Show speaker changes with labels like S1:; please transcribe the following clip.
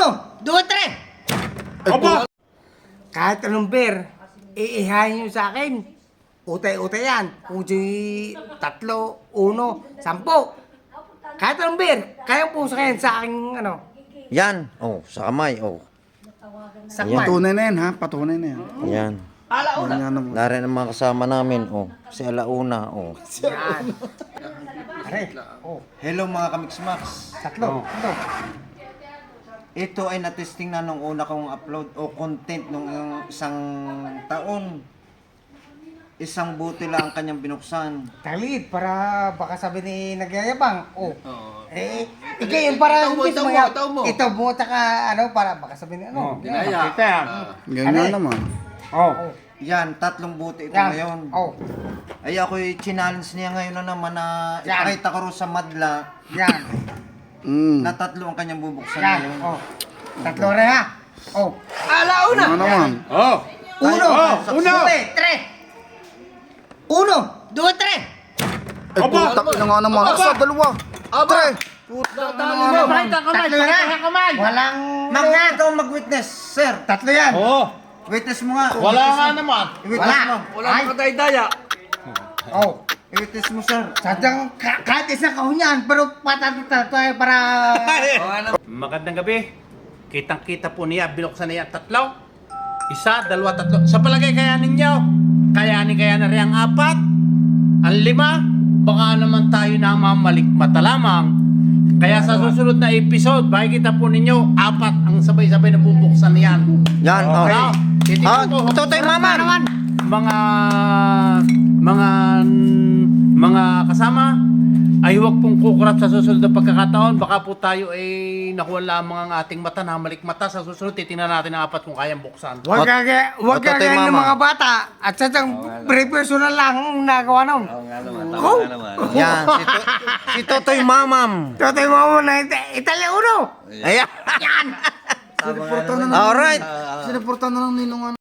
S1: 2, 3.
S2: Opo!
S1: Kahit anong beer, iihayin nyo sa akin. Utay-utay yan. Kung di 3, 1, 10. Kahit anong beer, kaya po sa akin sa aking ano,
S3: Yan. Oh, sa kamay. Oh.
S1: sakman.
S2: Patunay na yan ha, patunay na yan.
S3: Yan.
S2: Yan naman.
S3: Dari ng mga kasama namin. Oh. Si Alauna. Oh.
S1: Yan. Are, oh,
S3: Hello mga Kamix-Max.
S1: 3. Ito.
S3: Ito ay natesting na nung una kong upload o content nung isang taon. Isang buti lang ang kanyang binuksan.
S1: Talit, para baka sabi ni nagyayabang. Oh. Ikaw yun para ito mo, taka ano, para baka sabi ni ano.
S4: Ginaya.
S2: Ganyan naman.
S1: Oh.
S3: Yan, 3 buti ito
S1: Yan.
S3: ngayon.
S1: Oh.
S3: Ay ako'y challenge niya ngayon na naman na
S1: Yan.
S3: ipakita ko rin sa madla
S1: Yan.
S3: na 3 ang kanyang bubuksan
S1: Yan.
S3: ngayon.
S1: Oh. 3 rin ha. Oh.
S2: Ano naman?
S4: Oh!
S1: 1,
S4: Uno!
S1: 3. 1, 2, 3.
S2: Ay, putak na nga naman. Asa, dalawa. Tre. Putak na nga naman.
S1: 3 na. Walang
S3: Ito mag-witness, sir.
S1: 3 yan.
S4: Oh!
S3: Witness mo nga.
S4: Wala nga naman.
S3: I-witness
S1: Wala.
S3: mo.
S4: Wala mga daya-daya.
S1: Oh.
S3: I-witness mo, sir.
S1: Sadyang kahit isang kahunyan, pero patata tayo para...
S4: Magandang gabi. Kitang-kita po niya, binuksan niya 3. 1, 2, 3. Sa palagay kaya ninyo, kaya na rin ang 4, ang 5, baka naman tayo na mamalikmata lamang. Kaya sa susunod na episode, makikita po ninyo, 4 ang sabay-sabay na bubuksan niyan.
S3: Yan, okay.
S4: Now, titignan ko.
S3: Totoy mama naman.
S4: Mga kasama, ay huwag pong kukurap sa susunod na pagkakataon. Baka po tayo ay nakuha lamang ang ating mata na malikmata. Sa susunod, titingnan natin ang 4 kung kayang buksan.
S1: Huwag
S3: Ototoy
S1: kagaya ng
S3: mama.
S1: mga bata. At sadyang personal lang ang nagawa nun. Oh.
S3: Yan, si Totoy Mamam.
S1: Totoy mo na Italia 1.
S3: Ayan.
S1: Yan.
S2: Siniportan na lang.
S3: Alright.
S2: Siniportan na lang ninong